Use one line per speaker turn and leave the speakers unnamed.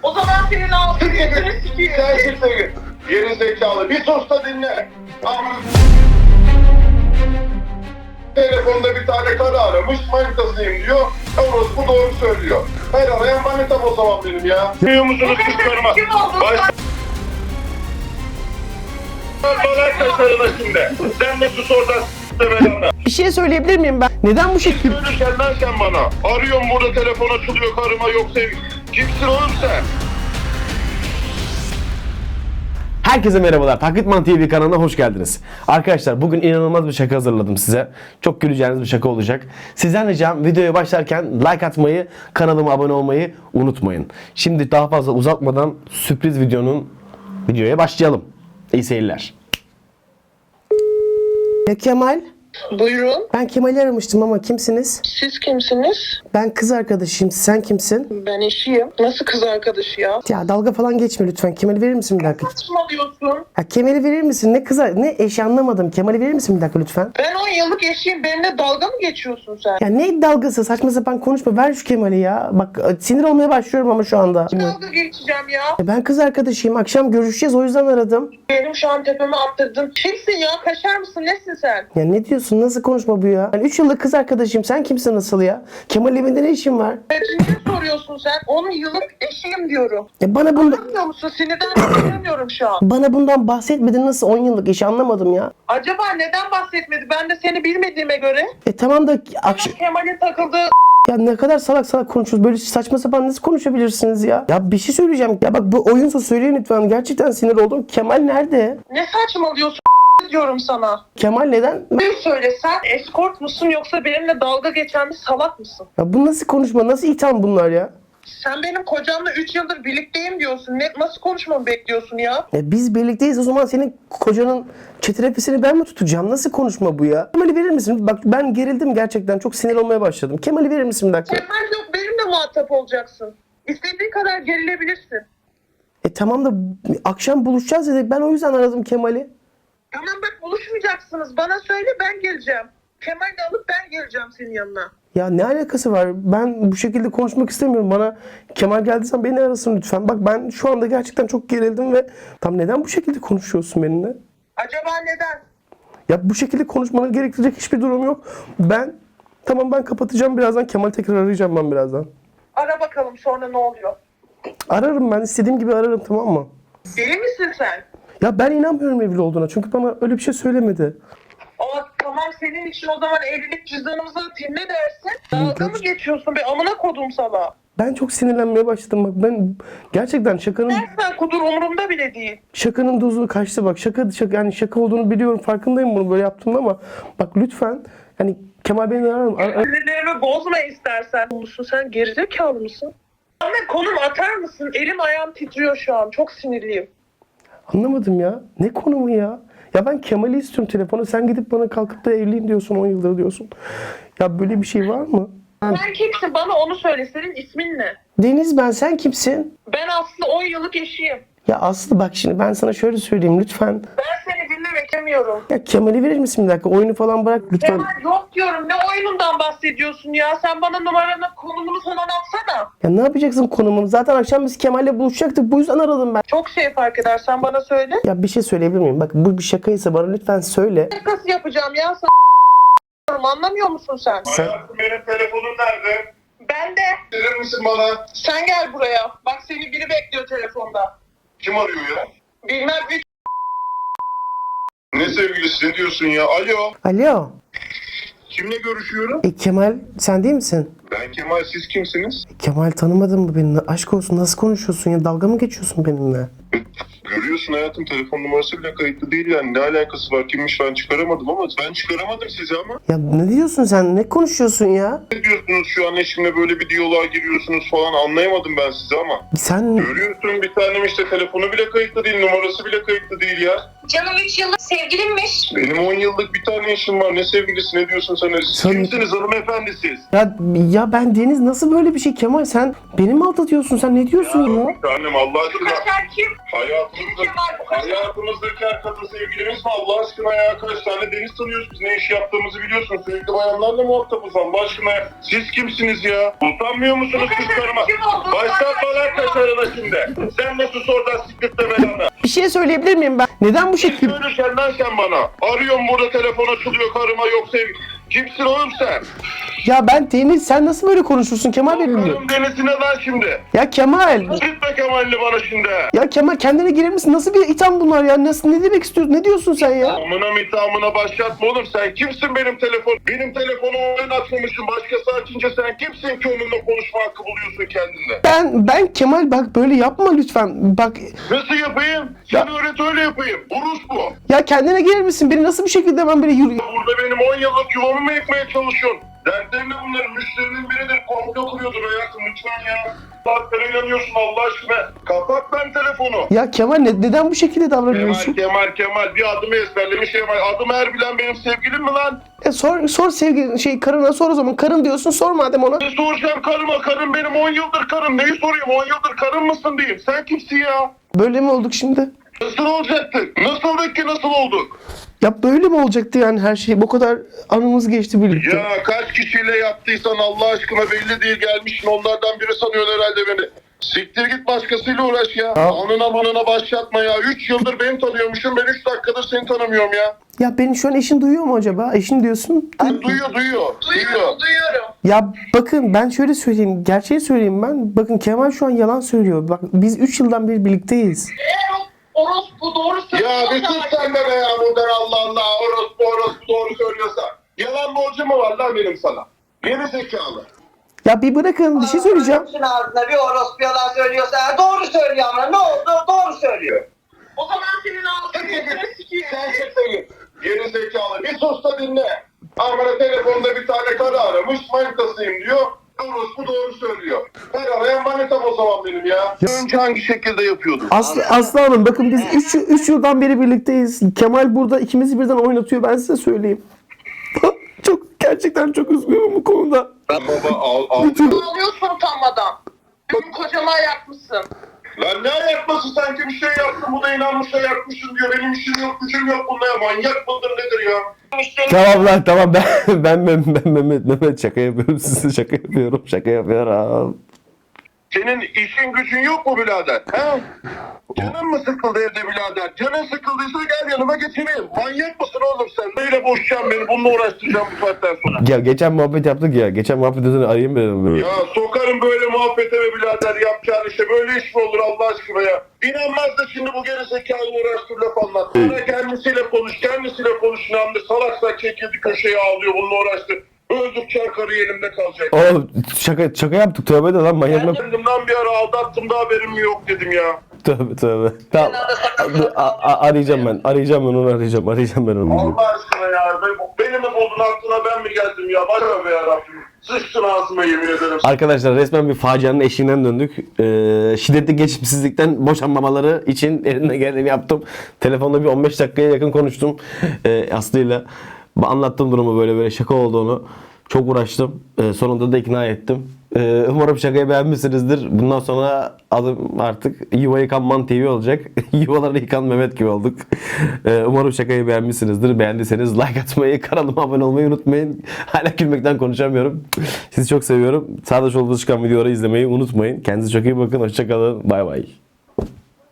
O zaman senin ağzını yüzünü sikeyim.
Sen kimsin? Geri zekalı. Bir sus da dinle. Telefonda bir tane karı aramış, manitasıyım diyor. Orospu doğru söylüyor. Her arayan manitam o zaman benim ya. Duyuyor musunuz kızlarıma?
Kim oldun sen?
Bana kaşarına şimdi. Sen de sus oradan s***lemeden.
Bir şey söyleyebilir miyim ben? Neden bu şekilde?
Söylürken lan sen bana. Arıyorum burada, telefon açılıyor karıma, yok sevgi. Kimsin oğlum sen?
Herkese merhabalar. Taklitman TV kanalına hoş geldiniz. Arkadaşlar bugün inanılmaz bir şaka hazırladım size. Çok güleceğiniz bir şaka olacak. Sizden ricam videoya başlarken like atmayı, kanalıma abone olmayı unutmayın. Şimdi daha fazla uzatmadan sürpriz videoya başlayalım. İyi seyirler. Ya Kemal,
Buyurun.
ben Kemal'i aramıştım ama kimsiniz?
Siz kimsiniz?
Ben kız arkadaşıyım. Sen kimsin?
Ben eşiyim. Nasıl kız arkadaşı ya?
Ya dalga falan geçme lütfen. Kemal'i verir misin bir dakika?
Saçmalıyorsun.
Ya Kemal'i verir misin? Ne kız ne eşi anlamadım. Kemal'i verir misin bir dakika lütfen?
Ben 10 yıllık eşiyim. Benimle dalga mı geçiyorsun sen?
Ya ne dalgası, saçma sapan konuşma. Ver şu Kemal'i ya. Bak sinir olmaya başlıyorum ama şu anda.
Dalga geçeceğim ya.
Ben kız arkadaşıyım. Akşam görüşeceğiz, o yüzden aradım.
Benim şu an tepeme attırdın. Kimsin ya? Kaşar mısın? Nesin sen?
Ya ne diyorsun? Nasıl konuşma bu ya? Ben 3 yıllık kız arkadaşıyım. Sen kimsin nasıl ya? Kemal'in evinde ne işin var?
Ne soruyorsun sen? 10 yıllık eşiyim diyorum.
Bana bundan
Anlamıyor musun? Sinirden konuşamıyorum şu an.
bana bundan bahsetmedin, nasıl 10 yıllık eşi anlamadım ya.
Acaba neden bahsetmedi? Ben de seni bilmediğime göre.
Tamam da
Kemal'in takıldığı
ya ne kadar salak salak konuşuyoruz. Böyle saçma sapan nasıl konuşabilirsiniz ya? Ya bir şey söyleyeceğim. Ya bak bu oyunsa söyleyin lütfen. Gerçekten sinir oldum. Kemal nerede?
ne saçmalıyorsun diyorum sana.
Kemal neden?
Bir söyle, sen eskort musun yoksa benimle dalga geçen bir salak mısın?
Ya bu nasıl konuşma? Nasıl itham bunlar ya?
Sen benim kocamla 3 yıldır birlikteyim diyorsun. Nasıl konuşmamı bekliyorsun ya?
Ya biz birlikteyiz, o zaman senin kocanın çetrefesini ben mi tutacağım? Nasıl konuşma bu ya? Kemal'i verir misin? Bak ben gerildim gerçekten. Çok sinir olmaya başladım. Kemal'i verir misin bir dakika?
Kemal yok, benimle muhatap olacaksın. İstediğin kadar gerilebilirsin.
Tamam da akşam buluşacağız dedik. Ben o yüzden aradım Kemal'i.
Tamam bak, buluşmayacaksınız. Bana söyle, ben geleceğim. Kemal'i alıp ben geleceğim senin yanına.
Ya ne alakası var? Ben bu şekilde konuşmak istemiyorum. Bana Kemal geldiysen beni arasın lütfen. Bak ben şu anda gerçekten çok gerildim ve tam neden bu şekilde konuşuyorsun benimle?
Acaba neden?
Ya bu şekilde konuşmanı gerektirecek hiçbir durum yok. Tamam ben kapatacağım birazdan. Kemal tekrar arayacağım ben birazdan.
Ara bakalım sonra ne oluyor?
Ararım, ben istediğim gibi ararım, tamam mı?
Deli misin sen?
Ya ben inanmıyorum evli olduğuna. Çünkü bana öyle bir şey söylemedi.
Tamam, senin için o zaman evlilik cüzdanımızı atayım, ne dersin? Dalga mı geçiyorsun be, amına kodum sana?
Ben çok sinirlenmeye başladım. Bak ben gerçekten
Dersen kudur, umurumda bile değil.
şakanın dozu kaçtı bak. Yani şaka olduğunu biliyorum. Farkındayım bunu böyle yaptım ama bak lütfen hani Kemal beni ararım.
Sinirlerimi bozma istersen. Musun sen, gerizekalı mısın? Anne, konum atar mısın? Elim ayağım titriyor şu an. Çok sinirliyim.
Anlamadım ya. Ne konumu ya? Ya ben Kemal'i istiyorum telefonu. Sen gidip bana kalkıp da evliyim diyorsun, 10 yıldır diyorsun. Ya böyle bir şey var mı?
Sen kimsin? Bana onu söyle. Senin ismin ne?
Deniz ben, sen kimsin?
Ben Aslı, 10 yıllık eşiyim.
Ya Aslı bak şimdi ben sana şöyle söyleyeyim lütfen.
Ben seni dinlemek istemiyorum.
Ya Kemal'i verir misin bir dakika? Oyunu falan bırak lütfen.
Kemal yok diyorum. Ne oyunundan bahsediyorsun ya? Sen bana numaranı, konumunu falan atsana.
Ya ne yapacaksın konumunu? Zaten akşam biz Kemal'le buluşacaktık. Bu yüzden aradım ben.
Çok şey fark eder. Sen bana söyle.
Ya bir şey söyleyebilir miyim? Bak bu bir şakaysa bana lütfen söyle.
Nasıl yapacağım ya? Anlamıyor musun sen?
Hayatım, benim telefonum nerede?
Ben de.
Verir misin bana?
Sen gel buraya. Bak, seni biri bekliyor telefonda.
Kim arıyor ya?
Bilmem, üç.
Ne sevgilisi, ne diyorsun ya? Alo.
Alo.
Kimle görüşüyorum?
Kemal sen değil misin?
Ben Kemal, siz kimsiniz?
Kemal tanımadın mı beni? Aşk olsun, nasıl konuşuyorsun ya? Dalga mı geçiyorsun benimle?
Görüyorsun hayatım, telefon numarası bile kayıtlı değil yani. Ne alakası var, kimmiş, ben çıkaramadım ama ben çıkaramadım sizi ama.
Ya ne diyorsun sen? Ne konuşuyorsun ya?
Ne diyorsunuz şu an, eşimle böyle bir diyaloğa giriyorsunuz falan, anlayamadım ben sizi ama.
Sen
Görüyorsun bir tanem işte, telefonu bile kayıtlı değil, numarası bile kayıtlı değil ya.
Canım 3 yıllık sevgilimmiş.
Benim 10 yıllık bir tane eşim var, ne sevgilisi, ne diyorsun sen? Siz
Sen-
kimsiniz hanımefendi siz?
ya ben Deniz, nasıl böyle bir şey Kemal? Sen beni mi aldatıyorsun? Sen ne diyorsun ya?
Bir tanem Allah aşkına.
Kaşar kim?
Hayatım
Kim Kemal bu kadar?
Hayatımızdaki her kadın sevgilimiz mi Allah aşkına ya? Kaç tane deniz tanıyoruz biz, ne iş yaptığımızı biliyorsun. Sürekli bayanlarla muhatabız Allah aşkına ya. Siz kimsiniz ya? Utanmıyor musunuz kız karıma?
Kim oldu?
Başlatma lan kaşarına şimdi. Sen nasıl oradan siktirtme belanı?
Bir şey söyleyebilir miyim ben? Neden bu şekilde?
Söylesen lan sen bana. Arıyorum burada, telefon açılıyor karıma, yok sevgi. Kimsin oğlum sen?
Ya ben Deniz, sen nasıl böyle konuşursun Kemal benimle?
Karım denizine lan şimdi.
Ya Kemal.
Gitme Kemal'li bana şimdi.
Ya Kemal kendine gelir misin? Nasıl bir itham bunlar ya? Nasıl, ne demek istiyorsun? Ne diyorsun sen ya?
Amına mitamına başlatma oğlum, sen kimsin benim telefon? Benim telefonumu oyun atmamışsın, başkası açınca sen kimsin ki onunla konuşma hakkı buluyorsun kendinde?
Ben Kemal bak böyle yapma lütfen. Bak
Nasıl yapayım? Sen öğret öyle yapayım. Urus bu.
ya kendine gelir misin? Beni nasıl bir şekilde hemen böyle yürü...
Burada benim 10 yıllık yuvamı mı yıkmaya çalışıyorsun? Dertlerin ne bunların? Müşterinin biridir. Komplo kuruyordur hayatım lütfen ya. Saatlere inanıyorsun Allah aşkına. Kapat lan telefonu.
Ya Kemal neden bu şekilde davranıyorsun?
Kemal. Bir adımı ezberlemiş Kemal. Adım Erbilen benim sevgilim mi lan?
Sor sevgili karına sor o zaman. Karın diyorsun, sor madem ona.
Ne soracağım karıma? Karım benim 10 yıldır karım. Neyi sorayım? 10 yıldır karım mısın diyeyim. Sen kimsin ya?
Böyle mi olduk şimdi?
Nasıl olacaktık? Nasıldık ki nasıl olduk?
Ya böyle mi olacaktı yani her şey? Bu kadar anımız geçti birlikte.
Ya kaç kişiyle yaptıysan Allah aşkına belli değil, gelmişsin onlardan biri sanıyorsun herhalde beni. Siktir git başkasıyla uğraş ya. Anına manına başlatma ya. 3 yıldır beni tanıyormuşum, ben 3 dakikadır seni tanımıyorum ya.
Ya beni şu an eşin duyuyor mu acaba? Eşin diyorsun.
Duyuyor.
Duyuyorum.
Ya bakın ben şöyle söyleyeyim. Gerçeği söyleyeyim ben. Bakın Kemal şu an yalan söylüyor. Bak biz 3 yıldan beri birlikteyiz.
Eğer orospu doğru söylüyorsa...
Ya bir sus sen de be ya buradan Allah Allah. Orospu doğru söylüyorsa. Yalan borcu mu var lan benim sana? Geri zekalı.
Ya bir bırakın bir şey söyleyeceğim.
Bütün ağzına bir orospu yalan söylüyorsa doğru söylüyor ama ne oldu? Doğru söylüyor.
O zaman senin ağzını yüzünü sikeyim.
Sen çıktın. Geri zekalı. Bir sus da dinle. Amına telefonda bir tane karı aramış. Manitasıyım diyor. Orospu doğru söylüyor. Her arayan manitam o zaman benim ya. Önce hangi şekilde yapıyordun?
Aslı Hanım bakın biz 3 yıldan beri birlikteyiz. Kemal burada ikimizi birden oynatıyor, ben size söyleyeyim. Gerçekten çok üzgünüm bu konuda.
Baba al.
Ağlıyorsun utanmadan. Benim kocama ayakmışsın.
Lan ne ayakması, sanki bir şey yaptın, bu da inanmış ayakmışsın diyor. Benim işim yok, gücüm yok bunda ya. Manyak mıdır nedir ya?
Tamam lan tamam ben Mehmet şaka yapıyorum, size şaka yapıyorum.
Senin işin gücün yok mu birader? He? Canın mı sıkıldı evde birader? Canın sıkıldıysa gel yanıma getireyim. Manyak mısın oğlum sen? Neyle boşacaksın beni? Bununla uğraştıracağım bu saatten sonra.
Ya geçen muhabbet yaptık ya. Geçen muhabbetten arayayım dedim.
Ya sokarım böyle muhabbete be birader, yapacağın işe. Böyle iş mi olur Allah aşkına ya? İnanmaz da şimdi bu gerizekalı uğraştır laf anlat. Sonra kendisiyle konuş. Namdi salaksa çekildi köşeye ağlıyor, bununla uğraştı. Öldükçe karı elimde kalacak.
Oğlum şaka yaptık, tövbe de lan manyak mı?
Kendimden bir ara aldattım da haberim yok dedim ya.
Tövbe. Tamam. Arayacağım ben onu.
Allah aşkına ya. Beni mi buldun aklına, ben mi geldim ya? Başka be yarabbim. Sıçtın ağzıma yemin ederim.
Arkadaşlar resmen bir facianın eşiğinden döndük. Şiddetli geçimsizlikten boşanmamaları için elimden geleni yaptım. Telefonda bir 15 dakikaya yakın konuştum Aslı'yla. Anlattım durumu, böyle şaka olduğunu. Çok uğraştım. Sonunda da ikna ettim. Umarım şakayı beğenmişsinizdir. Bundan sonra adım artık Yuva Yıkan Man TV olacak. Yuvaları yıkan Mehmet gibi olduk. Umarım şakayı beğenmişsinizdir. Beğendiyseniz like atmayı, kanalıma abone olmayı unutmayın. Hala gülmekten konuşamıyorum. Sizi çok seviyorum. Sağda solda çıkan videoları izlemeyi unutmayın. Kendinize çok iyi bakın. Hoşça kalın. Bay bay.